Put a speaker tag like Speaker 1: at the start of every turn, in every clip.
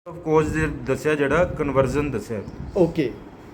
Speaker 1: Of cause ਦੇ ਦੱਸਿਆ, ਜਿਹੜਾ ਕਨਵਰਜ਼ਨ ਦੱਸਿਆ
Speaker 2: ਓਕੇ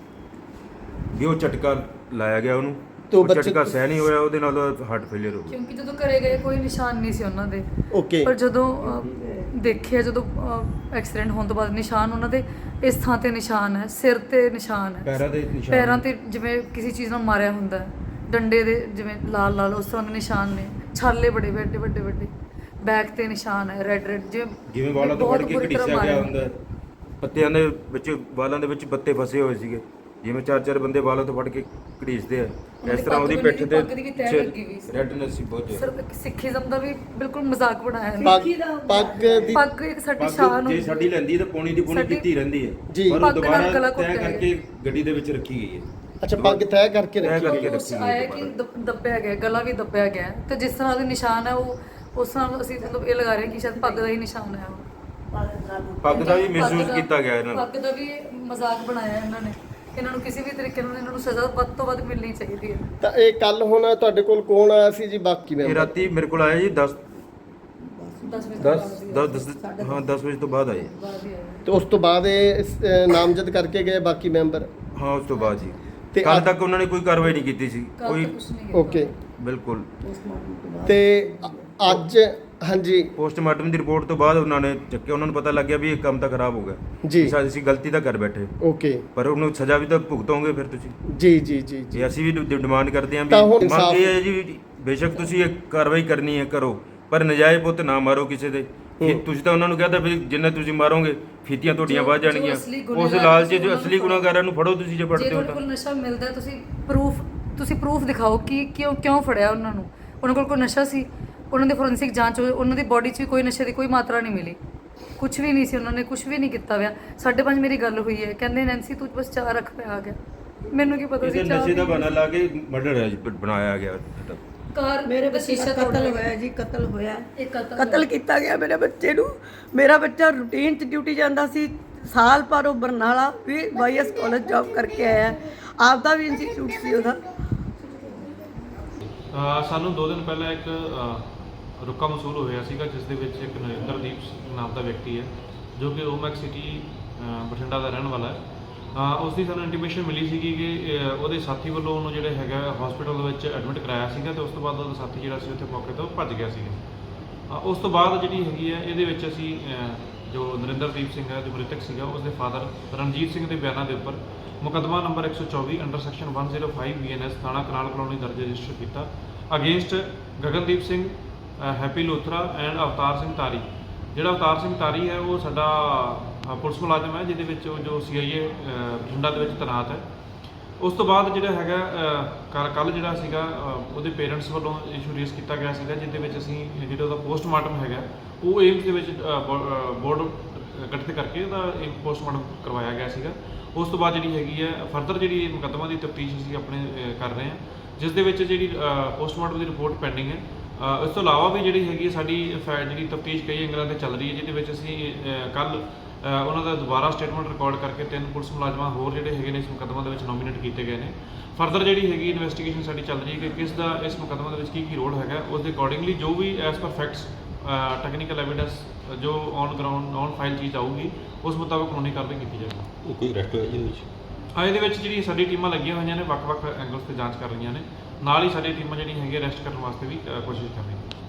Speaker 1: ਵੀ ਉਹ ਝਟਕਾ ਲਾਇਆ ਗਿਆ ਉਹਨੂੰ,
Speaker 2: ਤੇ ਉਹ
Speaker 1: ਉਹ
Speaker 2: ਬੱਚੇ-
Speaker 1: ਝਟਕਾ ਸਹਿ ਨਹੀਂ ਹੋਇਆ, ਉਹਦੇ ਨਾਲ ਹਾਰਟ ਫੇਲਿਅਰ ਹੋ ਗਿਆ।
Speaker 3: ਕਿਉਂਕਿ ਜਦੋਂ ਘਰੇ ਗਏ ਕੋਈ ਨਿਸ਼ਾਨ ਨਹੀਂ ਸੀ ਉਹਨਾਂ ਦੇ,
Speaker 2: ਓਕੇ
Speaker 3: ਪਰ ਜਦੋਂ ਦੇਖਿਆ, ਜਦੋਂ ਐਕਸੀਡੈਂਟ ਹੋਣ ਤੋਂ ਬਾਅਦ ਨਿਸ਼ਾਨ ਉਹਨਾਂ ਦੇ ਇਸ ਥਾਂ ਤੇ ਨਿਸ਼ਾਨ ਹੈ, ਸਿਰ ਤੇ ਨਿਸ਼ਾਨ ਹੈ,
Speaker 1: ਪੈਰਾਂ ਦੇ ਨਿਸ਼ਾਨ,
Speaker 3: ਪੈਰਾਂ ਤੇ ਜਿਵੇਂ ਕਿਸੇ ਚੀਜ਼ ਨਾਲ ਮਾਰਿਆ ਹੁੰਦਾ ਹੈ, ਡੰਡੇ ਦੇ ਜਿਵੇਂ ਲਾਲ ਲਾਲ ਉਸ ਤਰ੍ਹਾਂ ਦੇ ਨਿਸ਼ਾਨ ਨੇ, ਛਾਲੇ ਬੜੇ ਵੱਡੇ ਵੱਡੇ ਵੱਡੇ, ਬੈਕ ਤੇ ਨਿਸ਼ਾਨ ਹੈ ਰੈੱਡ ਰੈੱਡ,
Speaker 1: ਜਿਵੇਂ ਵਾਲਾਂ ਤੋਂ ਫੜ
Speaker 3: ਬਹੁਤ
Speaker 1: ਕੇ
Speaker 3: ਬੁਰੀ ਤਰ੍ਹਾਂ
Speaker 1: ਘੜੀਸਿਆ ਗਿਆ
Speaker 3: ਮਾਰਿਆ।
Speaker 1: ਹੁੰਦਾ ਹੈ। ਪੱਤਿਆਂ ਦੇ ਵਿੱਚ, ਵਾਲਾਂ ਦੇ ਵਿੱਚ ਪੱਤੇ ਫਸੇ ਹੋਏ ਸੀਗੇ, ਜਿਵੇਂ ਚਾਰ ਚਾਰ ਬੰਦੇ ਵਾਲਾਂ ਤੋਂ ਫੜ ਕੇ ਘੜੀਸਦੇ ਆ, ਇਸ ਤਰ੍ਹਾਂ ਉਹਦੀ ਪਿੱਠ ਤੇ
Speaker 3: ਪੱਗ ਦੀ ਵੀ ਤਹਿ ਲੱਗੀ ਹੋਈ ਸੀ।
Speaker 1: ਰੈਡਨੈਸ ਸੀ ਬਹੁਤ ਜ਼ਿਆਦਾ।
Speaker 3: ਸਰ ਸਿੱਖੀਜ਼ਮ ਦਾ ਵੀ ਬਿਲਕੁਲ ਮਜ਼ਾਕ ਬਣਾਇਆ ਹੈ।
Speaker 2: ਪੱਗ ਦੀ
Speaker 3: ਪੱਗ ਇੱਕ ਸਾਡੀ ਸ਼ਾਨ
Speaker 1: ਜੇ ਸਾਡੀ ਲੈਂਦੀ ਤਾਂ ਪੌਣੀ ਦੀ ਪੌਣੀ
Speaker 3: ਸਾਡੀ-
Speaker 1: ਕੀਤੀ ਰਹਿੰਦੀ ਹੈ,
Speaker 2: ਜੀ।
Speaker 1: ਪਰ ਉਹ
Speaker 3: ਪੱਗ ਨਾਲ
Speaker 1: ਦੁਬਾਰਾ
Speaker 3: ਗਲਾ
Speaker 1: ਤੈਅ
Speaker 3: ਘੁੱਟਿਆ
Speaker 1: ਕਰਕੇ ਗੱਡੀ ਦੇ ਵਿੱਚ ਰੱਖੀ ਗਈ ਹੈ।
Speaker 2: ਅੱਛਾ ਪੱਗ ਤੈਅ ਕਰਕੇ
Speaker 1: ਤੈਅ
Speaker 2: ਰੱਖੀ
Speaker 1: ਕਰਕੇ
Speaker 3: ਉਸ
Speaker 1: ਰੱਖੀ
Speaker 3: ਆਇਆ
Speaker 1: ਗਈ
Speaker 3: ਕਿ
Speaker 1: ਹੈ।
Speaker 3: ਦੱਬਿਆ ਗਿਆ, ਗਲਾ ਵੀ ਦੱਬਿਆ ਗਿਆ ਹੈ, ਤੇ ਜਿਸ ਤਰ੍ਹਾਂ ਉਹਦੇ ਨਿਸ਼ਾਨ ਹੈ ਉਹ ਉਸ ਤਰ੍ਹਾਂ ਅਸੀਂ ਮਤਲਬ ਇਹ ਲਗਾ ਰਹੇ ਹਾਂ ਕਿ ਸ਼ਾਇਦ ਪੱਗ ਦਾ ਹੀ ਨਿਸ਼ਾਨ ਹੈ ਉਹ।
Speaker 1: ਪੱਗ ਦਾ ਵੀ
Speaker 3: ਪੱਗ
Speaker 1: ਮਿਸਯੂਜ਼
Speaker 3: ਦਾ-
Speaker 1: ਕੀਤਾ ਗਿਆ ਇਹਨਾਂ ਨੂੰ।
Speaker 3: ਪੱਗ ਦਾ ਵੀ ਮਜ਼ਾਕ ਬਣਾਇਆ ਇਹਨਾਂ ਨੇ। ਇਹਨਾਂ ਨੂੰ ਕਿਸੇ ਵੀ ਤਰੀਕੇ ਨਾਲ ਇਹਨਾਂ ਨੂੰ ਸਜ਼ਾ ਵੱਧ ਤੋਂ ਵੱਧ ਮਿਲਣੀ ਚਾਹੀਦੀ ਹੈ।
Speaker 2: ਤਾਂ ਇਹ ਕੱਲ ਹੁਣ ਤੁਹਾਡੇ ਕੋਲ ਕੌਣ ਆਇਆ ਸੀ ਜੀ ਬਾਕੀ
Speaker 1: ਇਹ
Speaker 2: ਮੈਂਬਰ?
Speaker 1: ਰਾਤੀ ਮੇਰੇ ਕੋਲ ਆਇਆ ਜੀ 10
Speaker 3: 10 ਵਜੇ
Speaker 1: 10 ਵਜੇ ਤੋਂ ਬਾਅਦ ਆਏ।
Speaker 3: ਬਾਅਦ ਹੀ ਆਇਆ।
Speaker 2: ਤੇ ਉਸ ਤੋਂ ਬਾਅਦ ਇਹ ਨਾਮਜ਼ਦ ਕਰਕੇ ਗਏ ਬਾਕੀ ਮੈਂਬਰ?
Speaker 1: ਹਾਂ, ਉਸ ਤੋਂ ਬਾਅਦ ਜੀ
Speaker 2: ਤੇ
Speaker 1: ਕੱਲ
Speaker 2: ਅੱਜ-
Speaker 1: ਤੱਕ ਉਹਨਾਂ ਨੇ ਕੋਈ ਕਾਰਵਾਈ ਨਹੀਂ ਕੀਤੀ ਸੀ,
Speaker 3: ਕੱਲ੍ਹ
Speaker 1: ਕੋਈ
Speaker 3: ਤਾਂ ਕੁਛ ਨਹੀਂ ਕੀਤਾ।
Speaker 2: ਓਕੇ
Speaker 1: ਬਿਲਕੁਲ।
Speaker 2: ਤੇ ਅੱਜ ਹਾਂਜੀ
Speaker 1: ਪੋਸਟਮਾਰਟਮ ਦੀ ਰਿਪੋਰਟ ਤੋਂ ਬਾਅਦ ਉਹਨਾਂ ਨੇ ਚੱਕਿਆ, ਉਹਨਾਂ ਨੂੰ ਪਤਾ ਲੱਗ ਗਿਆ ਵੀ ਇਹ ਕੰਮ ਤਾਂ ਖਰਾਬ ਹੋ ਗਿਆ
Speaker 2: ਜੀ।
Speaker 1: ਸ਼ਾਇਦ ਅਸੀਂ ਗਲਤੀ ਤਾਂ ਕਰ ਬੈਠੇ,
Speaker 2: ਓਕੇ
Speaker 1: ਪਰ ਉਹਨੂੰ ਸਜ਼ਾ ਵੀ ਤਾਂ ਭੁਗਤੋਗੇ ਫਿਰ ਤੁਸੀਂ।
Speaker 2: ਜੀ ਜੀ ਜੀ ਜੀ
Speaker 1: ਜੇ ਅਸੀਂ ਵੀ ਡਿਮਾਂਡ ਕਰਦੇ ਹਾਂ ਵੀ
Speaker 2: ਤਾਂ ਹੁਣ
Speaker 1: ਮੰਗ
Speaker 2: ਇਨਸਾਫ਼-
Speaker 1: ਇਹ ਹੈ ਜੀ, ਬੇਸ਼ੱਕ ਤੁਸੀਂ ਇਹ ਕਾਰਵਾਈ ਕਰਨੀ ਹੈ ਕਰੋ, ਪਰ ਨਜਾਇਜ਼ ਪੁੱਤ ਨਾ ਮਾਰੋ ਕਿਸੇ ਦੇ। ਕਿ ਤੁਸੀਂ ਤਾਂ ਉਹਨਾਂ ਨੂੰ ਕਹਿੰਦਾ ਵੀ ਜਿੰਨਾ ਤੁਸੀਂ ਮਾਰੋਗੇ ਫੀਤੀਆਂ ਤੁਹਾਡੀਆਂ ਵੱਧ
Speaker 3: ਜੋ
Speaker 1: ਜਾਣਗੀਆਂ,
Speaker 3: ਅਸਲੀ
Speaker 1: ਉਸ
Speaker 3: ਗੁਨਾਹਗਾਰ
Speaker 1: ਲਾਲਚ 'ਚ
Speaker 3: ਤੁਸੀਂ
Speaker 1: ਜੋ
Speaker 3: ਉਹਨਾਂ
Speaker 1: ਅਸਲੀ
Speaker 3: ਨੂੰ
Speaker 1: ਗੁਨਾਹਗਾਰਾਂ ਨੂੰ ਫੜੋ ਤੁਸੀਂ, ਜੇ
Speaker 3: ਜੇ
Speaker 1: ਫੜਦੇ ਹੋ
Speaker 3: ਤੁਹਾਡੇ
Speaker 1: ਤਾਂ।
Speaker 3: ਕੋਲ ਨਸ਼ਾ ਮਿਲਦਾ ਹੈ, ਤੁਸੀਂ ਪ੍ਰੂਫ ਦਿਖਾਓ ਕਿ ਕਿਉਂ ਫੜਿਆ ਉਹਨਾਂ ਨੂੰ। ਉਹਨਾਂ ਕੋਲ ਕੋਈ ਨਸ਼ਾ ਸੀ, ਉਹਨਾਂ ਦੀ ਫੋਰੈਂਸਿਕ ਜਾਂਚ ਹੋਈ, ਉਹਨਾਂ ਦੀ ਬੋਡੀ 'ਚ ਵੀ ਕੋਈ ਨਸ਼ੇ ਦੀ ਕੋਈ ਮਾਤਰਾ ਨਹੀਂ ਮਿਲੀ, ਕੁਝ ਵੀ ਨਹੀਂ ਸੀ, ਉਹਨਾਂ ਨੇ ਕੁਝ ਵੀ ਨਹੀਂ ਕੀਤਾ ਹੋਇਆ। 5:30 ਮੇਰੀ ਗੱਲ ਹੋਈ ਹੈ, ਕਹਿੰਦੇ ਨੈਂਸੀ ਤੂੰ ਬਸ ਚਾਹ ਰੱਖ ਪਿਆ ਆ ਗਿਆ। ਮੈਨੂੰ ਕੀ ਪਤਾ
Speaker 1: ਇਹਦੇ
Speaker 3: ਸੀ ਚਾਹ
Speaker 1: ਨਸ਼ੇ ਦਾ
Speaker 3: ਵੀ-
Speaker 1: ਬਹਾਨਾ ਲਾ ਕੇ ਮਰਡਰ ਬਣਾਇਆ ਗਿਆ।
Speaker 3: ਕਾਰ
Speaker 4: ਮੇਰੇ ਬੱਚੇ
Speaker 3: ਸ਼ੀਸ਼ਾ
Speaker 4: ਦਾ
Speaker 3: ਤੋੜਿਆ
Speaker 4: ਕਤਲ
Speaker 3: ਗਿਆ।
Speaker 4: ਹੋਇਆ ਜੀ, ਕਤਲ ਹੋਇਆ।
Speaker 3: ਇਹ
Speaker 4: ਕਤਲ ਕੀਤਾ ਗਿਆ ਮੇਰੇ ਬੱਚੇ ਨੂੰ। ਮੇਰਾ ਬੱਚਾ ਰੂਟੀਨ 'ਚ ਡਿਊਟੀ ਜਾਂਦਾ ਸੀ, ਸਾਲ ਭਰ ਉਹ ਬਰਨਾਲਾ ਵੀ ਵਾਈਐਸ ਕਾਲਜ ਜੌਬ ਕਰਕੇ ਆਇਆ। ਆਪਦਾ ਵੀ ਇੰਸਟੀਚਿਊਟ ਸੀ ਉਹਦਾ।
Speaker 5: ਸਾਨੂੰ 2 ਦਿਨ ਪਹਿਲਾਂ ਇੱਕ ਰੁਕਾ ਮਸੂਲ ਹੋਇਆ ਸੀਗਾ, ਜਿਸ ਦੇ ਵਿੱਚ ਇੱਕ ਨਰਿੰਦਰਦੀਪ ਨਾਮ ਦਾ ਵਿਅਕਤੀ ਹੈ, ਜੋ ਕਿ ਓਮੈਕ ਸਿਟੀ ਬਠਿੰਡਾ ਦਾ ਰਹਿਣ ਵਾਲਾ ਹੈ। ਉਸ ਦੀ ਸਾਨੂੰ ਇੰਟੀਮੇਸ਼ਨ ਮਿਲੀ ਸੀਗੀ ਕਿ ਉਹਦੇ ਸਾਥੀ ਵੱਲੋਂ ਉਹਨੂੰ ਜਿਹੜੇ ਹੈਗਾ ਹਸਪੀਟਲ ਦੇ ਵਿੱਚ ਐਡਮਿਟ ਕਰਾਇਆ ਸੀਗਾ, ਤੇ ਉਸ ਤੋਂ ਬਾਅਦ ਉਹਦਾ ਸਾਥੀ ਜਿਹੜਾ ਸੀ ਉੱਥੇ ਮੌਕੇ ਤੋਂ ਭੱਜ ਗਿਆ ਸੀਗਾ। ਉਸ ਤੋਂ ਬਾਅਦ ਜਿਹੜੀ ਹੈਗੀ ਹੈ ਇਹਦੇ ਵਿੱਚ ਅਸੀਂ ਜੋ ਨਰਿੰਦਰਦੀਪ ਸਿੰਘ ਹੈ, ਜੋ ਮ੍ਰਿਤਕ ਸੀਗਾ, ਉਸਦੇ ਫਾਦਰ ਰਣਜੀਤ ਸਿੰਘ ਦੇ ਬਿਆਨਾਂ ਦੇ ਉੱਪਰ ਮੁਕੱਦਮਾ ਨੰਬਰ 124 ਅੰਡਰ ਸੈਕਸ਼ਨ 105 BNS ਥਾਣਾ ਕਨਾਲ ਕਲੋਨੀ ਦਰਜ ਰਜਿਸਟਰ ਕੀਤਾ ਅਗੇਂਸਟ ਗਗਨਦੀਪ ਸਿੰਘ, ਹੈਪੀ ਲੋਥਰਾ ਐਂਡ ਅਵਤਾਰ ਸਿੰਘ ਤਾਰੀ। ਜਿਹੜਾ ਅਵਤਾਰ ਸਿੰਘ ਤਾਰੀ ਹੈ ਉਹ ਸਾਡਾ ਪੁਲਿਸ ਮੁਲਾਜ਼ਮ ਹੈ, ਜਿਹਦੇ ਵਿੱਚ ਉਹ ਜੋ CIA ਬਠਿੰਡਾ ਦੇ ਵਿੱਚ ਤੈਨਾਤ ਹੈ। ਉਸ ਤੋਂ ਬਾਅਦ ਜਿਹੜਾ ਹੈਗਾ ਕੱਲ ਜਿਹੜਾ ਸੀਗਾ ਉਹਦੇ ਪੇਰੈਂਟਸ ਵੱਲੋਂ ਇਸ਼ੂ ਰੇਸ ਕੀਤਾ ਗਿਆ ਸੀਗਾ, ਜਿਹਦੇ ਵਿੱਚ ਅਸੀਂ ਜਿਹੜਾ ਉਹਦਾ ਪੋਸਟਮਾਰਟਮ ਹੈਗਾ ਉਹ ਏਮਸ ਦੇ ਵਿੱਚ ਬੋਰਡ ਗਠਿਤ ਕਰਕੇ ਉਹਦਾ ਇੱਕ ਪੋਸਟਮਾਰਟਮ ਕਰਵਾਇਆ ਗਿਆ ਸੀਗਾ। ਉਸ ਤੋਂ ਬਾਅਦ ਜਿਹੜੀ ਹੈਗੀ ਹੈ ਫਰਦਰ ਜਿਹੜੀ ਮੁਕੱਦਮਾ ਦੀ ਤਫਤੀਸ਼ ਅਸੀਂ ਆਪਣੇ ਕਰ ਰਹੇ ਹਾਂ, ਜਿਸ ਦੇ ਵਿੱਚ ਜਿਹੜੀ ਪੋਸਟਮਾਰਟਮ ਦੀ ਰਿਪੋਰਟ ਪੈਂਡਿੰਗ ਹੈ। ਇਸ ਤੋਂ ਇਲਾਵਾ ਵੀ ਜਿਹੜੀ ਹੈਗੀ ਸਾਡੀ ਜਿਹੜੀ ਤਫਤੀਸ਼ ਕਈ ਐਂਗਲਾਂ 'ਤੇ ਚੱਲ ਰਹੀ ਹੈ, ਜਿਹਦੇ ਵਿੱਚ ਅਸੀਂ ਕੱਲ ਉਹਨਾਂ ਦਾ ਦੁਬਾਰਾ ਸਟੇਟਮੈਂਟ ਰਿਕਾਰਡ ਕਰਕੇ 3 ਪੁਲਿਸ ਮੁਲਾਜ਼ਮਾਂ ਹੋਰ ਜਿਹੜੇ ਹੈਗੇ ਨੇ ਇਸ ਮੁਕੱਦਮਾ ਦੇ ਵਿੱਚ ਨੋਮੀਨੇਟ ਕੀਤੇ ਗਏ ਨੇ। ਫਰਦਰ ਜਿਹੜੀ ਹੈਗੀ ਇਨਵੈਸਟੀਗੇਸ਼ਨ ਸਾਡੀ ਚੱਲ ਰਹੀ ਹੈ ਕਿ ਕਿਸ ਦਾ ਇਸ ਮੁਕੱਦਮਾ ਦੇ ਵਿੱਚ ਕੀ ਰੋਲ ਹੈਗਾ, ਉਸ ਦੇ ਅਕੋਰਡਿੰਗਲੀ ਜੋ ਵੀ as per facts technical evidence ਜੋ ਔਨ ਗਰਾਊਂਡ ਔਨ ਫਾਈਲ ਚੀਜ਼ ਆਊਗੀ ਉਸ ਮੁਤਾਬਕ ਕਾਨੂੰਨੀ ਕਾਰਵਾਈ ਕੀਤੀ ਜਾਏਗੀ।
Speaker 6: ਕੋਈ ਅਰੈਸਟ ਹੋਇਆ ਜੀ ਇਹਦੇ ਵਿੱਚ?
Speaker 5: ਇਹਦੇ ਵਿੱਚ ਜਿਹੜੀ ਸਾਡੀ ਟੀਮਾਂ ਲੱਗੀਆਂ ਹੋਈਆਂ ਨੇ, ਵੱਖ-ਵੱਖ ਐਂਗਲਸ ਤੇ ਜਾਂਚ ਕਰ ਰਹੀਆਂ ਨੇ। ਨਾਲ ਹੀ ਸਾਡੀ ਟੀਮਾਂ ਜਿਹੜੀਆਂ ਹੈਗੀਆਂ ਅਰੈਸਟ ਕਰਨ ਵਾਸਤੇ ਵੀ ਕੋਸ਼ਿਸ਼ ਕਰ ਰਹੀਆਂ ਨੇ।